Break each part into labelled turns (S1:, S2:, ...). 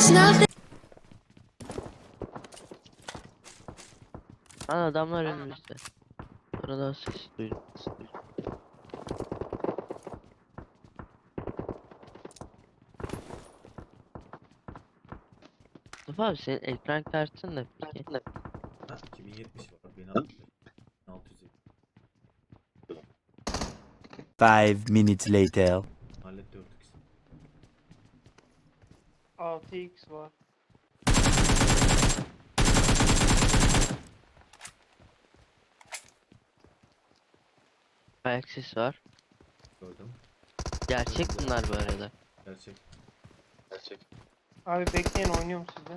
S1: Lan adamlar önümüzde. Arada ses duydum. Mustafa abi senin ekran kartın ne peki?
S2: Ha 2070 var. 1600.
S3: 5 minutes later.
S2: Halletti 4x.
S4: 6x var.
S1: Ayak sesi var.
S2: Gördüm.
S1: Gerçek bunlar bu arada.
S2: Gerçek.
S4: Abi bekleyin, oynuyorum sizde.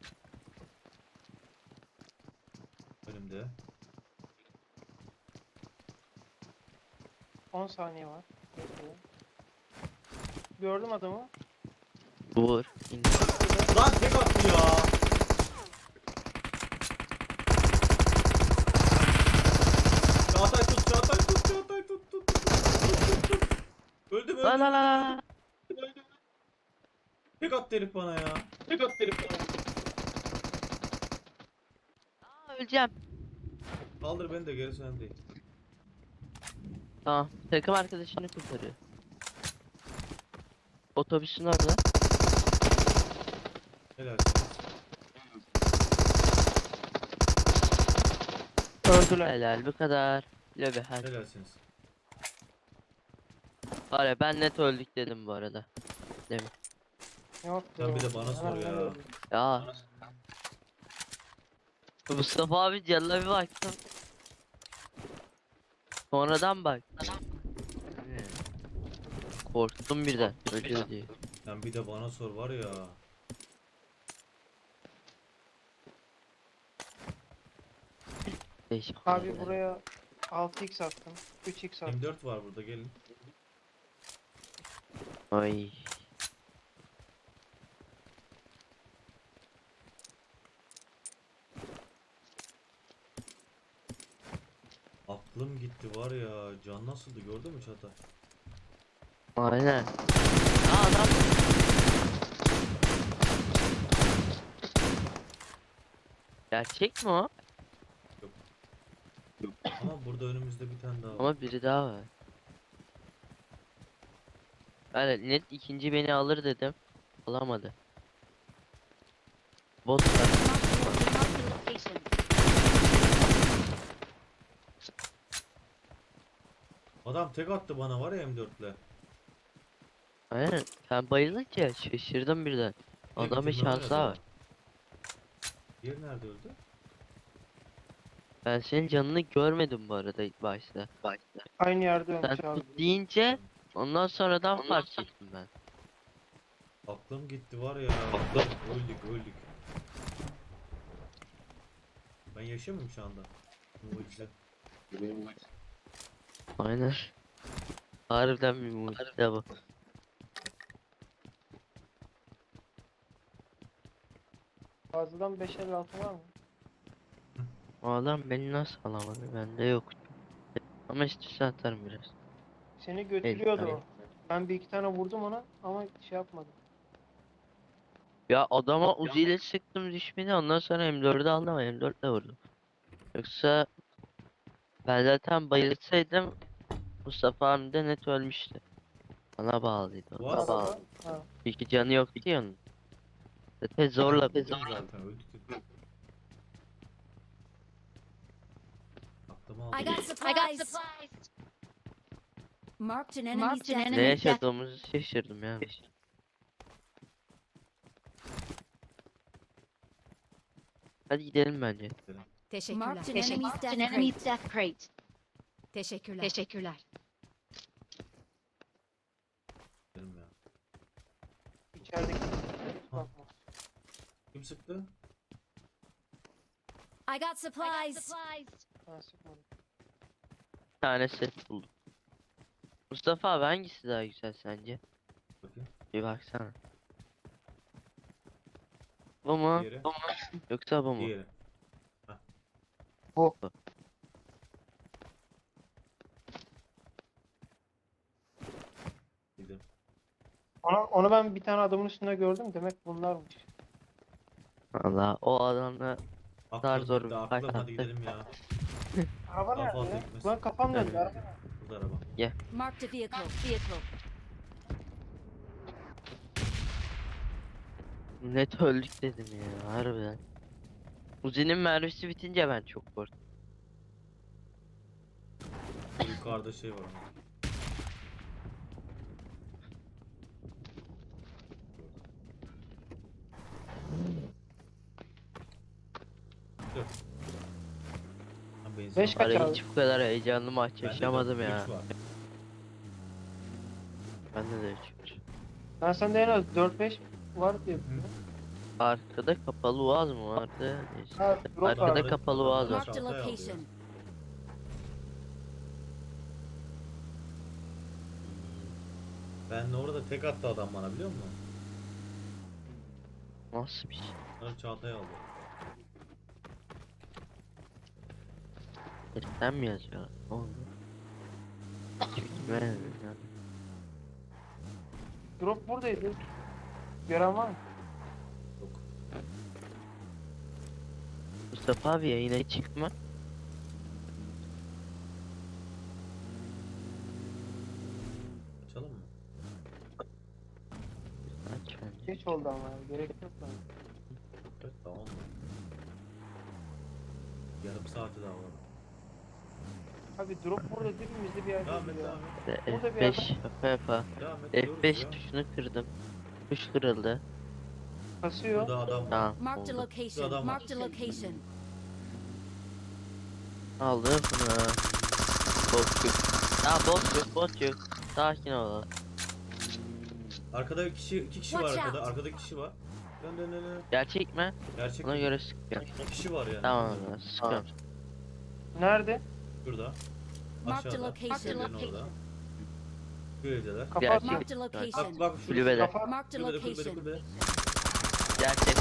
S2: Önümde.
S4: 10 saniye var. Bekleyin. Gördüm adamı.
S1: Vur. İn.
S2: Lan tek attı ya. Çağatay tut, Çağatay tut, Çağatay tut. Öldüm.
S1: La la la la.
S2: Tek attı herif bana ya.
S1: Aa, öleceğim.
S2: Kaldır beni de geri sen değil.
S1: Tamam. Takım arkadaşını kurtarıyor. Otobüsün orada.
S2: Helalsiniz.
S4: Öldüler.
S1: Helal bu kadar. Lobi hadi.
S2: Helalsiniz.
S1: Var ya ben net öldük dedim bu arada. Demin.
S4: Yok.
S2: Sen bir de bana sor
S4: Hemen
S2: ya.
S4: öldüm.
S1: Ya. Mustafa abi canına bir baktım. Sonradan bak. Korktum birden. Ölüyor diye.
S2: Sen bir de bana sor var ya.
S1: Değişik.
S4: Abi
S1: olaylar.
S4: buraya 6x attım. 3x attım.
S2: M4 var burada gelin.
S1: Ay.
S2: Aklım gitti var ya. Can nasıldı gördün mü Çağatay?
S1: Aynen. Aa adam. Gerçek mi o?
S2: Ama burada önümüzde bir tane daha var.
S1: Ama biri daha var. Yani net ikinci beni alır dedim. Alamadı. Bot var.
S2: Adam tek attı bana var ya M4'le.
S1: Aynen. Ben bayılınca şaşırdım birden. Adamın şansı var.
S2: Diğeri nerede öldü?
S1: Ben senin canını görmedim bu arada ilk başta.
S4: Aynı yerde
S1: Sen
S4: ölmüş abi.
S1: tut deyince ondan sonradan fark ettim ben.
S2: Aklım gitti var ya. Öldük. Ben yaşıyor muyum şu anda? Mucize.
S1: Aynen. Harbiden bir mucize bu.
S4: Fazladan 556 var mı?
S1: O adam beni nasıl alamadı? Bende yok. Ama istiyorsan atarım biraz.
S4: Seni götürüyordu
S1: hayır.
S4: o. Ben bir iki tane vurdum ona ama şey yapmadım.
S1: Ya adama Uzi ile sıktım düşmedi, ondan sonra M4'ü aldım ama M4 ile vurdum. Yoksa ben zaten bayılsaydım Mustafa abi de net ölmüştü. Bana bağlıydı o.
S2: What?
S1: Bana bağlı.
S4: Ha.
S1: İki canı yoktu ki onun. Zaten zorla
S2: Dedim zaten öldük dedim. Aklımı aldı.
S5: I got supplies. Marked an enemy's death.
S1: ne yaşadığımızı şaşırdım yani. Hadi gidelim bence.
S5: Teşekkürler. Marked an enemy's death crate. Teşekkürler.
S2: Dedim ya.
S4: İçerideki.
S2: Ha.
S4: Bakma.
S2: Kim sıktı?
S5: I got supplies.
S4: Ha, sıkmadım.
S1: Bir tane set buldum. Mustafa abi hangisi daha güzel sence?
S2: Bakayım.
S1: Bir baksana. Bu mu?
S2: Diğeri.
S1: Yoksa bu mu?
S2: Diğeri.
S4: Bu.
S2: Gidelim.
S4: Onu ben bir tane adamın üstünde gördüm. Demek bunlarmış.
S1: Valla o adamla
S2: Aklım
S1: zor
S2: gitti,
S1: bir
S2: aklım,
S1: fight
S2: hadi
S1: attık.
S2: gidelim ya.
S4: Araba
S2: Daha
S4: nerede
S2: fazla
S4: ya?
S2: gitmez.
S4: Lan kafam döndü.
S2: Evet.
S4: Araba.
S2: Burada araba.
S5: Marked a vehicle.
S1: Net öldük dedim ya harbiden. Uzi'nin mermisi bitince ben çok korktum.
S2: Yukarıda şey var ama. Dur. Ha, benzin
S4: Beş
S2: var.
S4: kaç
S1: Ara
S4: abi?
S1: hiç bu kadar heyecanlı maç
S2: Bende de
S1: yaşamadım ya.
S2: üç var.
S1: Bende de 3 var.
S4: Ben sende en az 4-5 var diye biliyorum.
S1: Arkada kapalı uaz mı vardı? Neyse.
S4: Ha, drop
S1: Arkada
S4: var.
S1: kapalı uaz var.
S5: Marked a
S2: Çantayı aldı ya.
S5: location.
S2: Ben orada tek attı adam bana, biliyor musun?
S1: Nasıl bir şey?
S2: Sonra Çağatay aldı.
S1: Heriften mi yazıyor? Ne oldu? Hiç bilmiyorum yani.
S4: Drop buradaydı. Gören var mı?
S2: Yok.
S1: Mustafa abi yayına çıkma.
S2: Açalım mı?
S1: Aç bence.
S4: Geç oldu ama ya. Gerek yok lan.
S2: Evet, tamam mı? Yarım saati daha var.
S4: Abi drop burada dibimizde bir yerde
S2: Devam et,
S4: ya.
S2: devam et.
S4: Burada bir
S1: F5 yapa yapa.
S2: Devam et. diyoruz
S1: F5
S2: ya.
S1: tuşunu kırdım. Tuş kırıldı.
S4: Kasıyor.
S2: Burada adam var.
S1: Tamam
S5: Marked a
S1: oldu.
S5: location.
S2: Adam var.
S5: Marked a location.
S1: Aldım bunu. Bot yok. Bot yok. Sakin ol.
S2: Arkada iki kişi var
S5: Watch
S2: arkada.
S5: out.
S2: Arkada iki kişi var. Dön.
S1: Gerçek mi?
S2: Gerçek
S1: Ona
S2: mi?
S1: göre sıkıyorum.
S2: İki kişi var yani.
S1: Tamam sıkıyorum.
S4: Nerede?
S2: Şurada.
S5: Marked a
S2: Aşağıda.
S5: location.
S2: Evlerin orada. Bu evdeler.
S4: Kapat.
S1: Gerçek.
S5: Marked a
S2: Bak
S5: location.
S2: bak şurada.
S1: Kulübede.
S4: Kafa.
S5: Marked a location.
S2: Kulübede.
S1: Gerçek.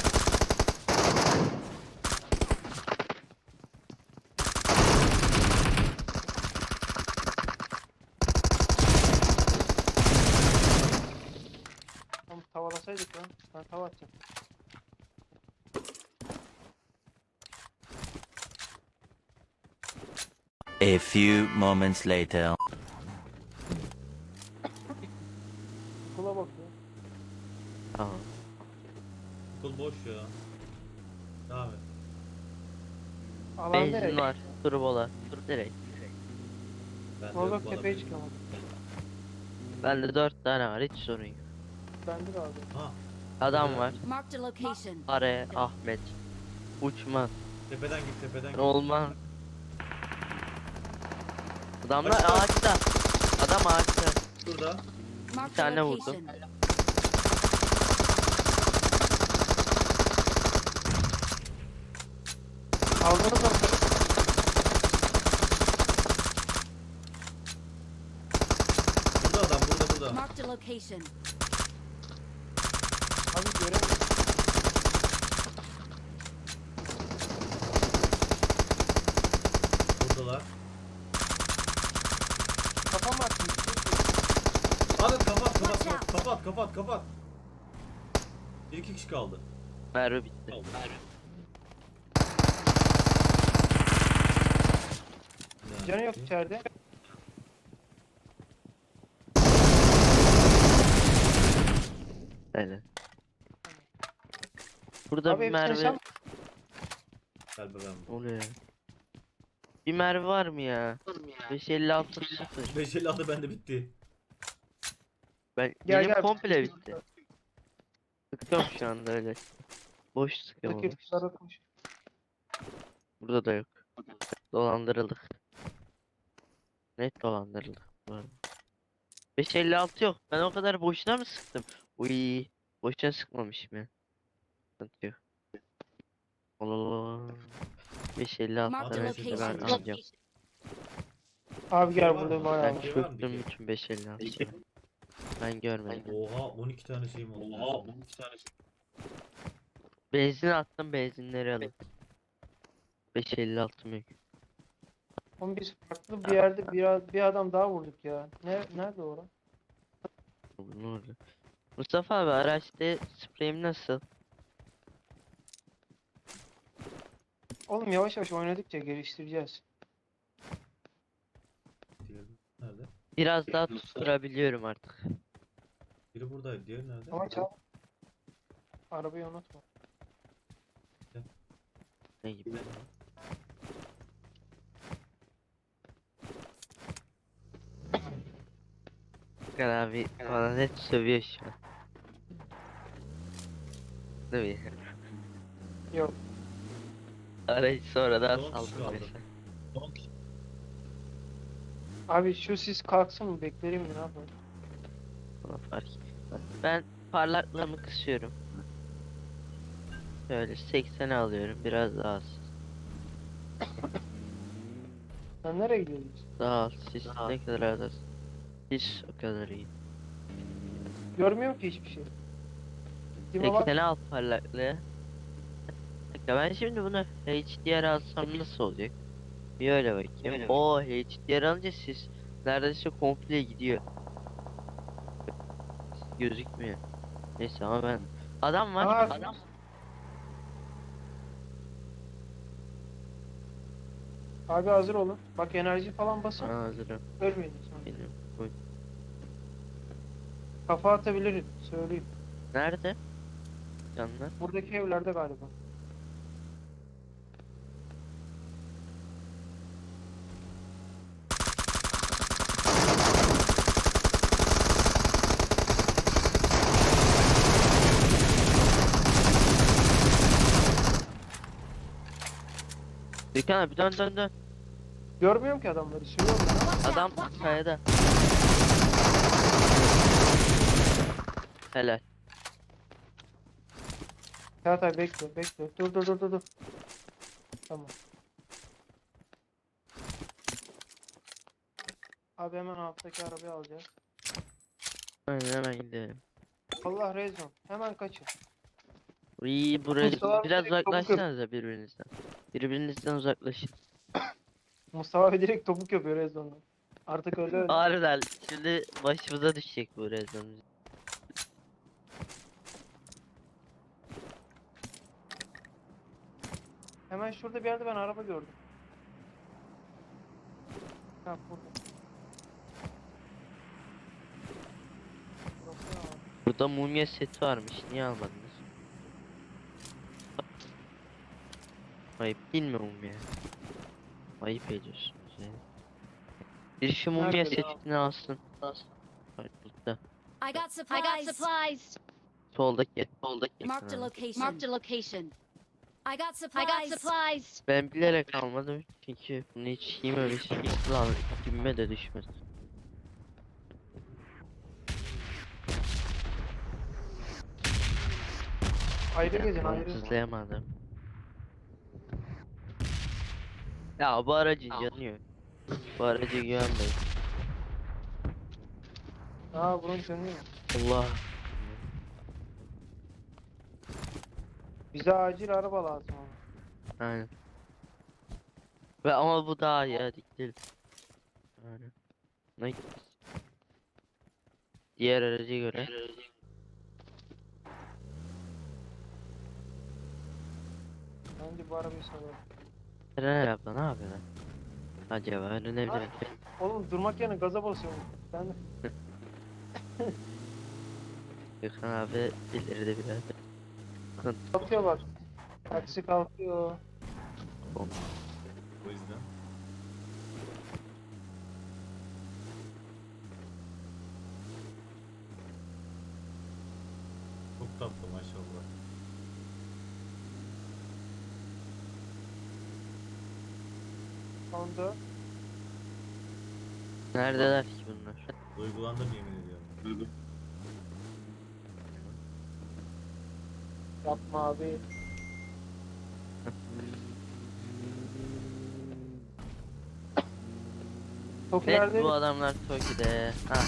S4: Tamam tavalasaydık lan. Ben tava atacağım.
S3: A few moments later.
S4: Kula bak ya.
S1: Tamam.
S2: Okul boş ya. Devam et.
S4: Alan
S1: Benzin
S4: nereye?
S1: var. Turbola. Dur direkt.
S2: Ben de
S4: Kula
S2: yok
S4: bak
S2: bana
S4: tepeye
S2: benzin.
S4: çıkamadım.
S1: Bende 4 tane var hiç sorun yok.
S4: Bende de abi.
S2: Ha,
S1: Adam var.
S5: Marked a location.
S1: Are Ahmet. Uçmaz.
S2: tepeden git, tepeden git.
S1: Olmaz. Adamlar
S2: Açık.
S1: ağaçta. Adam ağaçta.
S2: Şurada.
S5: Marked a
S1: tane vurdum.
S5: location.
S4: Aldınız mı?
S2: Burada adam, burada.
S5: Marked a location.
S4: Abi göremiyorum.
S2: Buradalar.
S4: Kafam attım.
S2: Hadi kapat,
S5: Watch out.
S2: kapat. Bir iki kişi kaldı.
S1: Merve bitti.
S4: Canı yok içeride.
S1: Öyle. Burada
S4: Abi
S1: bir
S4: hepsini
S1: Merve
S4: sen
S2: Gel be ben.
S1: oluyor. Bir Merve var mı ya? 556 0.
S2: 556 bende bitti.
S1: Ben
S4: Gel,
S1: benim
S4: gel.
S1: komple bitti. Sıkıyorum şu anda öyle. Boş sıkıyorum.
S4: buradaki
S1: onu.
S4: kuşlara koş.
S1: Burada da yok. Dolandırıldık. Net dolandırıldık bu arada. 556 yok. Ben o kadar boşuna mı sıktım? Uy, boşuna sıkmamışım ya. Sıkıntı yok. Allah. 556
S5: Marked a
S1: tane şimdi ben
S5: location.
S1: alacağım.
S4: Abi gel
S2: Var mı?
S4: burada bayağı
S1: Ben
S4: var.
S2: Şey var mı
S1: çöktüm
S2: bir
S1: bütün 556. Ben görmedim.
S2: Oha, 12 tane şeyim oldu. Oha, 12 tane şey.
S1: Benzin attım, benzinleri alın. 556 mı?
S4: Oğlum biz farklı bir yerde bir adam daha vurduk ya. Nerede o lan?
S1: Ne oldu? Mustafa abi araçta spreyim nasıl?
S4: Oğlum yavaş yavaş oynadıkça geliştireceğiz.
S2: Diğeri nerede?
S1: Biraz daha tutturabiliyorum artık.
S2: Biri buradaydı. Diğeri nerede?
S4: Ama çal. Arabayı unutma.
S1: Ne gibi? Furkan abi bana net sövüyor şu an. Değil mi?
S4: Yok.
S1: Arayı sonradan
S2: Son kişi
S1: saldım
S2: kaldı.
S1: mesela.
S4: Abi şu sis kalksın mı beklerim mi ne yapayım?
S1: Ona fark etmez. Ben parlaklığımı kısıyorum. Şöyle 80'e alıyorum. Biraz daha az.
S4: Sen nereye gidiyorsun?
S1: Daha az. Siz ne kadar az. Siz o kadar iyi.
S4: Görmüyorum ki hiçbir şey. Dime bak.
S1: 80'e al parlaklığı. Dakika, ben şimdi bunu HDR alsam nasıl olacak? Bir öyle bakayım. O HDR alınca siz neredeyse komple gidiyor. Gözükmüyor. Neyse ama ben adam var.
S4: Aa,
S1: Adam.
S4: Abi hazır olun. Bak enerji falan basın.
S1: Aa, hazırım.
S4: Ölmeyin sonra.
S1: Benim. Buyur.
S4: Kafa atabilirim. Söyleyeyim.
S1: Nerede? Canlar.
S4: Buradaki evlerde galiba.
S1: Dükkan abi dön dön dön.
S4: Görmüyorum ki adamları. Sürüyorum ben.
S5: Watch
S1: Adam
S5: out! Watch out!
S1: kayada. Helal.
S4: Çağatay bekle bekle. Dur. Tamam. Abi hemen alttaki arabayı alacağız.
S1: Aynen hemen gidelim.
S4: Allah rezon. Hemen kaçın.
S1: İyi buraya
S4: Mustafa abi
S1: biraz
S4: direkt topuk
S1: uzaklaşsanıza birbirinizden. Birbirinizden uzaklaşın.
S4: Mustafa abi direkt topuk yapıyor rezondan. Artık öyle.
S1: Harbiden şimdi başımıza düşecek bu rezon.
S4: Hemen şurada bir yerde ben araba gördüm. Ha burada. Burası ne var?
S1: Burada mumya seti varmış. Niye almadınız? Ayıp değil mi mumya? Ayıp ediyorsunuz yani. Bir şu mumya
S4: Nerede ya?
S1: setini alsın. Hayır, burada.
S5: I got supplies.
S1: Soldaki.
S5: Marked a location. Marked a location. I got
S6: I got supplies.
S1: Ben bilerek almadım çünkü bunu hiç yememiş. Lan gibime de düşmez.
S4: Ayrı gezin ayrı.
S1: Hızlayamadım. Ya bu aracın canı yok. Bu araca güvenmeyin.
S4: Aa bunun sönüyor.
S1: Allah.
S4: Bize acil araba lazım ama.
S1: Aynen. Ve ama bu daha iyi hadi gidelim. Aynen. Ne gideceğiz? Diğer araca göre.
S4: Bence bu arabayı salalım.
S1: Eren abla ne yapıyor lan? Acaba öğrenebilirim.
S4: Oğlum durmak yerine gaza basıyorum. Ben de
S1: Gökhan abi ileride biraz.
S4: kalkıyorlar. Taksi kalkıyor.
S2: O yüzden. Çok tatlı maşallah.
S4: Sonda
S1: Neredeler ki bunlar?
S2: Duygulandım yemin ediyorum.
S4: yapma abi. Çok
S1: Evet
S4: ileride
S1: bu adamlar Toki'de. Ha.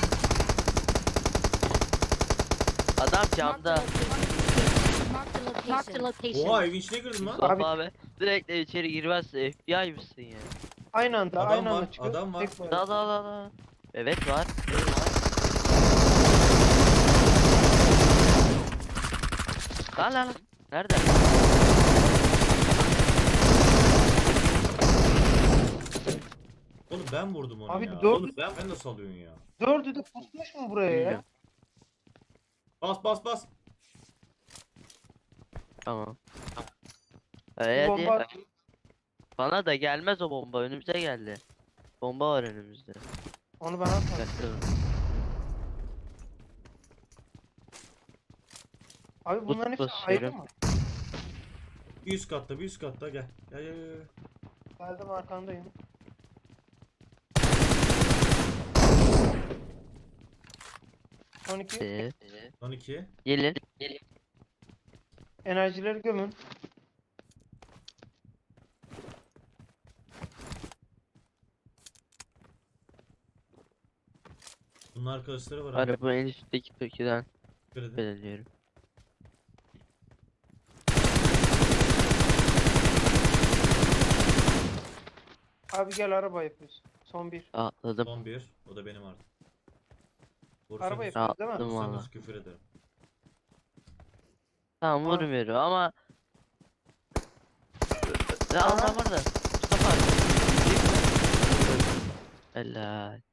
S1: Adam camda.
S5: Marked a location.
S2: Oha evin içine girdim lan.
S1: Mustafa abi direkt de içeri girmezse FBI mısın ya?
S4: aynı anda
S2: Adam
S4: aynı
S2: var,
S4: anda çıkıyor.
S2: adam var.
S4: Tek var.
S1: Da. Evet var. Lan. Nerede?
S2: ben vurdum onu
S4: Abi
S2: ya.
S4: dört-
S2: Oğlum ben de salıyorsun ya.
S4: Dördü de pusmuş mu buraya ya?
S1: Bilmiyorum.
S2: Bas bas bas.
S1: Tamam.
S4: Bir
S1: Hadi.
S4: bomba
S1: Bana da gelmez o bomba. Önümüze geldi. Bomba var önümüzde.
S4: onu ben atmadım.
S1: Dikkatli olun.
S4: Abi bunların hepsi
S1: basıyorum.
S4: ayrı mı?
S2: Bir üst katta bir üst katta gel. Gel gel gel.
S4: Geldim arkandayım. Son iki.
S2: Son 2.
S1: Gelin.
S4: Enerjileri gömün.
S2: Bunun arkadaşları var.
S1: Araba en üstteki Toki'den
S2: Dikkat edin.
S1: belirliyorum.
S4: Abi gel araba yapıyoruz. Son bir.
S1: Atladım.
S2: Son 1. O da benim artık.
S4: Araba
S2: Vursanız,
S4: yapıyoruz değil mi?
S1: Atladım valla.
S2: vursanız küfür ederim.
S1: Tamam
S4: Tamam.
S1: vurmuyorum ama... Ya
S4: Aha.
S1: adam orada. Mustafa. Helal.